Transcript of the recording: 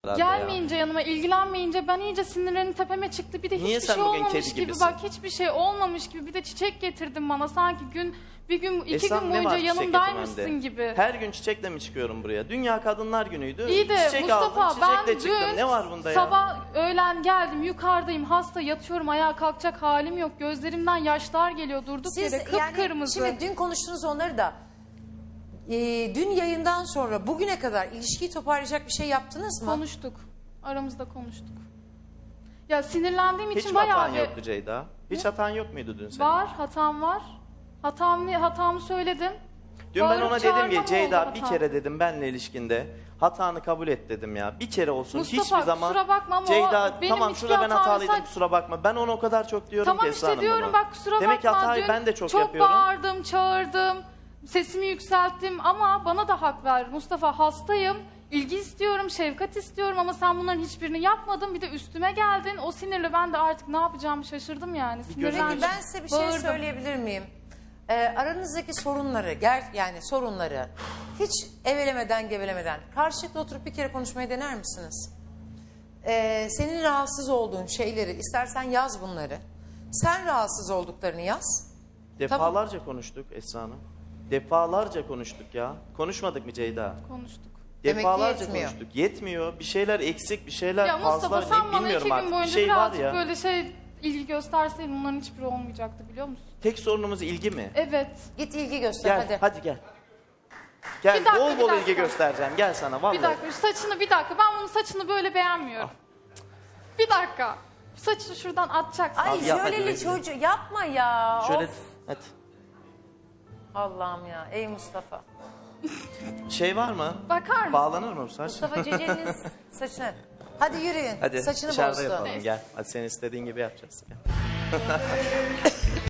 Gelmeyince yanıma, ilgilenmeyince ben iyice sinirlerim tepeme çıktı. Bir de Niye hiçbir sen şey bugün olmamış kedi gibi gibisin? bak, hiçbir şey olmamış gibi bir de çiçek getirdin bana. Sanki bir gün, iki Esam, gün ne boyunca var çiçek yanımdaymışsın getirmende? gibi. Her gün çiçekle mi çıkıyorum buraya? Dünya Kadınlar Günü'ydü. İyi de Çiçek Mustafa, aldım, ben çiçekle çıktım. dün Ne var bunda ya? sabah öğlen geldim, yukarıdayım, hasta yatıyorum, ayağa kalkacak halim yok. Gözlerimden yaşlar geliyor durduk Siz yere, yani kıpkırmızı. şimdi dün konuştunuz onları da. Dün yayından sonra bugüne kadar ilişkiyi toparlayacak bir şey yaptınız mı? Konuştuk, aramızda konuştuk. Ya sinirlendiğim Hiç için mi bayağı hatan bir... yoktu Ceyda? Hiç hatan yok muydu dün senin? Var, hatam var. Hatamı söyledim. Dün ben Bağırıp ona dedim çağırma ki mı Ceyda oldu bir hatam? kere dedim benle ilişkinde hatanı kabul et dedim ya. Bir kere olsun Mustafa, hiçbir zaman. kusura bakma ama Ceyda benim tamam hiçbir şurada ben hatam hatalıydım olsaydı- kusura bakma. Ben onu o kadar çok diyorum Tamam ki Esra işte Hanım diyorum bunu. bak, kusura Demek ki bakma. hatayı Dün ben de çok yapıyorum. bağırdım, çağırdım. Sesimi yükselttim ama bana da hak ver. Mustafa, hastayım. İlgi istiyorum, şefkat istiyorum ama sen bunların hiçbirini yapmadın. Bir de üstüme geldin. O sinirle ben de artık ne yapacağımı şaşırdım yani. Sinirlendim. Peki ben size bir şey bağırdım. söyleyebilir miyim? Aranızdaki sorunları, yani sorunları hiç evelemeden gevelemeden karşılıklı oturup bir kere konuşmayı dener misiniz? Senin rahatsız olduğun şeyleri istersen yaz bunları. Sen rahatsız olduklarını yaz. Defalarca konuştuk Esra Hanım. Defalarca konuştuk ya. Konuşmadık mı Ceyda? Konuştuk. Demek ki Defalarca yetmiyor. konuştuk. Yetmiyor. Bir şeyler eksik, bir şeyler Ya Mustafa, fazla. sen bana 2 bilmiyorum gün artık. Bir boyunca şey var birazcık ya. böyle ilgi gösterseydin bunların hiçbiri olmayacaktı, biliyor musun? Tek sorunumuz ilgi mi? Evet. Git ilgi göster Gel, hadi. hadi gel. Gel, Bir dakika, bol bir bol dakika. ilgi göstereceğim. Gel sana vallahi. Bir dakika, bir dakika. Ben bunun saçını böyle beğenmiyorum. Bir dakaka. Saçını şuradan atacaksın. Ay Abi yap, hadi jöleli rezil. çocuğu yapma ya. Şöyle, Of. hadi. Allah'ım ya, ey Mustafa. Şey var mı? Bakar mısın? Bağlanır mı bu saç? Mustafa Ceceli'nin saçını. Hadi yürüyün. Hadi Saçını dışarıda bozdu. yapalım gel. Hadi senin istediğin gibi yapacağız. Gel.